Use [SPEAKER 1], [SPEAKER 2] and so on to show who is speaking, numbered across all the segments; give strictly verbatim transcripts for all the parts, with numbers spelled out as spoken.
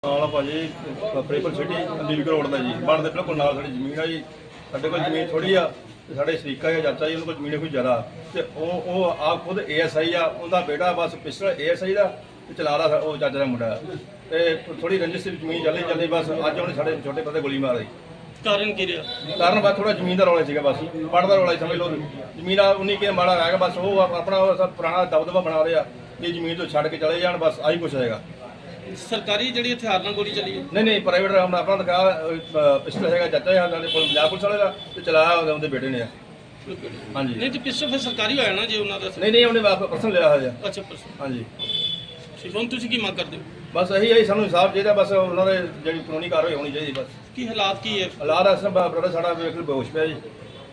[SPEAKER 1] ਨਾਲ ਭਾਜੀ Faridkot city Aligarh road ਦਾ ਜੀ ਬਣਦੇ ਬਿਲਕੁਲ ਨਾਲ ਸਾਡੀ ਜ਼ਮੀਨ ਆ ਜੀ। ਸਾਡੇ ਕੋਲ ਜ਼ਮੀਨ ਥੋੜੀ ਆ ਤੇ ਸਾਡੇ ਸ਼ਰੀਕਾ ਜਾਂ ਚਾਚਾ ਜੀ ਉਹਨਾਂ ਕੋਲ ਜ਼ਮੀਨ ਕੋਈ ਜ਼ਿਆਦਾ ਤੇ ਉਹ ਉਹ ਆਪ ਖੁਦ ਏ ਐਸ ਆਈ ਆ। ਉਹਦਾ ਬੇਟਾ ਬਸ ਪਿਸਟਲ ਏ ਐਸ ਆਈ ਦਾ ਤੇ ਚਲਾ ਰਿਹਾ ਉਹ ਚਾਚਾ ਦਾ ਮੁੰਡਾ ਤੇ ਥੋੜੀ ਰੰਜਿਸ਼ ਦੀ ਜ਼ਮੀਨ ਚੱਲੀ ਚੱਲੀ ਬਸ ਅੱਜ ਉਹਨੇ ਸਾਡੇ ਛੋਟੇ ਪਤੇ ਗੋਲੀ ਮਾਰ ਦਿੱਤੀ।
[SPEAKER 2] ਕਾਰਨ ਕੀ ਰਿਹਾ?
[SPEAKER 1] ਕਾਰਨ ਬਸ ਥੋੜਾ ਜ਼ਮੀਨ ਦਾ ਰੌਲਾ ਸੀਗਾ। ਬਸ ਪੜ ਦਾ ਰੌਲਾ ਹੀ ਸਮਝ ਲਓ। ਜ਼ਮੀਨ ਆ ਉਨੀ ਕੇ ਮਾੜਾ ਰਹਿ ਗਿਆ ਬਸ ਉਹ ਆਪਣਾ ਉਹ ਸਭ ਪੁਰਾਣਾ ਦਬਦਬਾ ਬਣਾ ਰਹੇ ਆ ਕਿ ਜ਼ਮੀਨ ਤੋਂ ਛੱਡ ਕੇ ਚਲੇ ਜਾਣ ਬਸ ਆਹੀ ਕੁਛ ਹੈਗਾ।
[SPEAKER 2] ਸਰਕਾਰੀ ਜਿਹੜੀ ਹਥਿਆਰ ਨਾਲ ਗੋਲੀ ਚੱਲੀ ਹੈ?
[SPEAKER 1] ਨਹੀਂ ਨਹੀਂ ਪ੍ਰਾਈਵੇਟ ਆਪਣਾ ਦਿਖਾ ਪਿਸਟਲ ਹੈਗਾ ਚਾਚਾ ਜੀ ਸਾਡੇ ਕੋਲ ਪੰਜਾਬ ਪੁਲਿਸ ਵਾਲੇ ਦਾ ਤੇ ਚਲਾਇਆ ਉਹਦੇ ਬੇਟੇ ਨੇ। ਹਾਂਜੀ
[SPEAKER 2] ਨਹੀਂ ਤੇ ਪਿੱਛੋਂ ਫਿਰ ਸਰਕਾਰੀ ਹੋਇਆ ਨਾ ਜੇ ਉਹਨਾਂ ਦਾ?
[SPEAKER 1] ਨਹੀਂ ਨਹੀਂ ਉਹਨੇ ਪਰਸਨ ਲਿਆ ਹੋਇਆ।
[SPEAKER 2] ਅੱਛਾ ਪਰਸਨ।
[SPEAKER 1] ਹਾਂਜੀ
[SPEAKER 2] ਠੀਕ। ਹੁਣ ਤੁਸੀਂ ਕੀ ਮੰਗ ਕਰਦੇ ਹੋ?
[SPEAKER 1] ਬਸ ਇਹੀ ਹੈ ਸਾਨੂੰ ਇਨਸਾਫ ਚਾਹੀਦਾ। ਬਸ ਉਹਨਾਂ ਦੇ ਜਿਹੜੀ ਕਾਨੂੰਨੀ ਕਾਰਵਾਈ ਹੋਣੀ ਚਾਹੀਦੀ ਬਸ।
[SPEAKER 2] ਕੀ ਹਾਲਾਤ ਕੀ ਹੈ?
[SPEAKER 1] ਹਾਲਾਤ ਅਸਲ ਬ੍ਰਦਰ ਸਾਡਾ ਵੇਖ ਲਓ ਬੇਹੋਸ਼ ਪਿਆ ਜੀ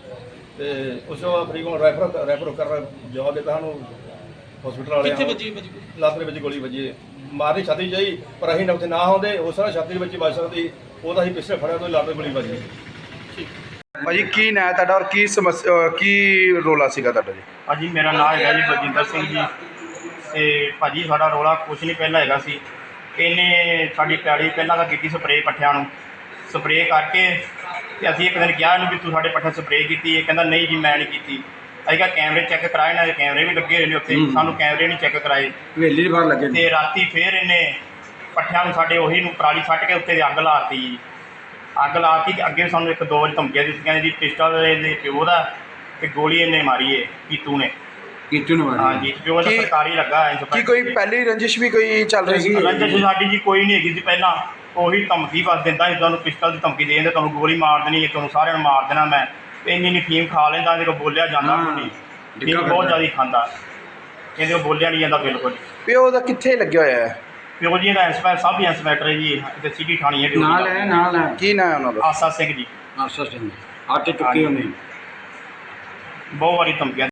[SPEAKER 1] ਤੇ ਉਸ ਤੋਂ ਫਰੀਦਕੋਟ ਰੈਫਰ ਰੈਫਰ ਕਰ ਜਵਾਬ ਦਿੱਤਾ ਸਾਨੂੰ ਹਸਪੀਟਲ ਵਾਲੇ।
[SPEAKER 2] ਕਿੱਥੇ ਵੱਜੀ ਵੱਜੀ?
[SPEAKER 1] ਲੱਤ ਦੇ ਵਿੱਚ ਗੋਲੀ ਵੱਜੀ। ਮਾਰਨੀ ਛਾਤੀ ਚਾਹੀ ਪਰ ਅਸੀਂ ਉੱਥੇ ਨਾ ਹੁੰਦੇ ਉਸ ਤਰ੍ਹਾਂ ਛਾਤੀ ਦੇ ਵਿੱਚ ਵੱਜ ਸਕਦੀ। ਉਹਦਾ ਅਸੀਂ ਪਿੱਛੇ ਫੜਿਆ ਤੋਂ ਲੱਤ ਤੇ ਗੋਲੀ ਵੱਜੀ।
[SPEAKER 2] ਠੀਕ।
[SPEAKER 3] ਭਾਜੀ ਕੀ ਨਾਂ ਹੈ ਤੁਹਾਡਾ ਔਰ ਕੀ ਸਮੱਸਿਆ ਕੀ ਰੋਲਾ ਸੀਗਾ ਤੁਹਾਡਾ ਜੀ?
[SPEAKER 4] ਭਾਜੀ ਮੇਰਾ ਨਾਮ ਹੈਗਾ ਜੀ ਬਲਜਿੰਦਰ ਸਿੰਘ ਜੀ ਤੇ ਭਾਜੀ ਸਾਡਾ ਰੌਲਾ ਕੁਛ ਨਹੀਂ ਪਹਿਲਾਂ ਹੈਗਾ ਸੀ। ਇਹਨੇ ਸਾਡੀ ਪੈਲੀ ਪਹਿਲਾਂ ਤਾਂ ਕੀਤੀ ਸਪਰੇਅ ਪੱਠਿਆਂ ਨੂੰ ਸਪਰੇਅ ਕਰਕੇ ਤੇ ਅਸੀਂ ਇੱਕ ਦਿਨ ਕਿਹਾ ਇਹਨੂੰ ਵੀ ਤੂੰ ਸਾਡੇ ਪੱਠੇ ਸਪਰੇਅ ਕੀਤੀ। ਇਹ ਕਹਿੰਦਾ ਨਹੀਂ ਜੀ ਮੈਂ ਨਹੀਂ ਕੀਤੀ। ਅਸੀਂ ਕਿਹਾ ਕੈਮਰੇ ਚੈੱਕ ਕਰਾਏ ਨਾ, ਕੈਮਰੇ ਵੀ ਲੱਗੇ ਹੋਏ ਨੇ ਉੱਥੇ, ਸਾਨੂੰ ਕੈਮਰੇ ਨਹੀਂ ਚੈੱਕ ਕਰਾਏ।
[SPEAKER 3] ਹਵੇਲੀ ਦੇ ਬਾਹਰ ਲੱਗੇ
[SPEAKER 4] ਤੇ ਰਾਤੀ ਫੇਰ ਇਹਨੇ ਪੱਠਿਆਂ ਨੂੰ ਸਾਡੇ ਉਹੀ ਨੂੰ ਪਰਾਲੀ ਸੱਟ ਕੇ ਉੱਤੇ ਅੱਗ ਲਾਤੀ ਜੀ। ਅੱਗ ਲਾਤੀ ਕਿ ਅੱਗੇ ਸਾਨੂੰ ਇੱਕ ਦੋ ਵਾਰੀ ਧਮਕੀਆਂ ਦਿੱਤੀਆਂ ਜੀ ਪਿਸਟਲ ਇਹਦੇ ਪਿਓ ਦਾ ਤੇ ਗੋਲੀ ਇਹਨੇ ਮਾਰੀ ਏ ਕੀਤੂ ਨੇ।
[SPEAKER 3] ਕੀਤੂ ਨੇ ਮਾਰੀ?
[SPEAKER 4] ਹਾਂਜੀ ਪਿਓ ਦਾ
[SPEAKER 3] ਕੀ-
[SPEAKER 4] ਸਰਕਾਰੀ ਲੱਗਾ ਹੈ।
[SPEAKER 3] ਕੀ ਕੋਈ ਪਹਿਲੀ ਰੰਜਿਸ਼ ਵੀ ਕੋਈ ਚੱਲ ਰਹੀ ਸੀ?
[SPEAKER 4] ਰੰਜਿਸ਼ ਸਾਡੀ ਜੀ ਕੋਈ ਨਹੀਂ ਹੈਗੀ ਸੀ ਪਹਿਲਾਂ। ਉਹੀ ਧਮਕੀ ਬਸ ਦਿੰਦਾ ਸੀ ਤੁਹਾਨੂੰ ਪਿਸਟਲ ਦੀ ਧਮਕੀ ਦੇ ਦਿੰਦੇ ਤੁਹਾਨੂੰ ਗੋਲੀ ਮਾਰ ਦੇਣੀ ਹੈ, ਤੁਹਾਨੂੰ ਸਾਰਿਆਂ ਨੂੰ ਮਾਰ ਦੇਣਾ ਮੈਂ। ਇੰਨੀ ਇੰਨੀ ਫੀਮ ਖਾ ਲੈਂਦਾ ਇਹਦੇ ਕੋਲ ਬੋਲਿਆ ਜਾਂਦਾ ਕੋਈ। ਫੀਮ ਬਹੁਤ ਜ਼ਿਆਦਾ ਖਾਂਦਾ ਇਹਦੇ ਕੋਲ ਬੋਲਿਆ ਨਹੀਂ ਜਾਂਦਾ ਬਿਲਕੁਲ।
[SPEAKER 3] ਪਿਓ ਦਾ ਕਿੱਥੇ ਲੱਗਿਆ ਹੋਇਆ ਹੈ?
[SPEAKER 4] ਪਿਓ ਜੀ ਦਾ ਇੰਸਪੈਕਟਰ ਸਭ ਹੀ ਇੰਸਪੈਕਟਰ ਹੈ ਜੀ ਤੇ ਸਿਟੀ ਥਾਣੀ ਹੈ ਡਿਊਟੀ
[SPEAKER 5] ਨਾਲ ਹੈ ਨਾਲ ਹੈ
[SPEAKER 3] ਕੀ ਨਾਂ ਹੈ ਉਹਨਾਂ ਦਾ?
[SPEAKER 4] ਆਸਾ ਸਿੰਘ ਜੀ।
[SPEAKER 5] ਆਸਾ ਸਿੰਘ ਹੱਥ ਚੁੱਕੇ ਹੁੰਦੇ
[SPEAKER 4] ਬਹੁਤ ਵਾਰੀ ਧਮਕੀਆਂ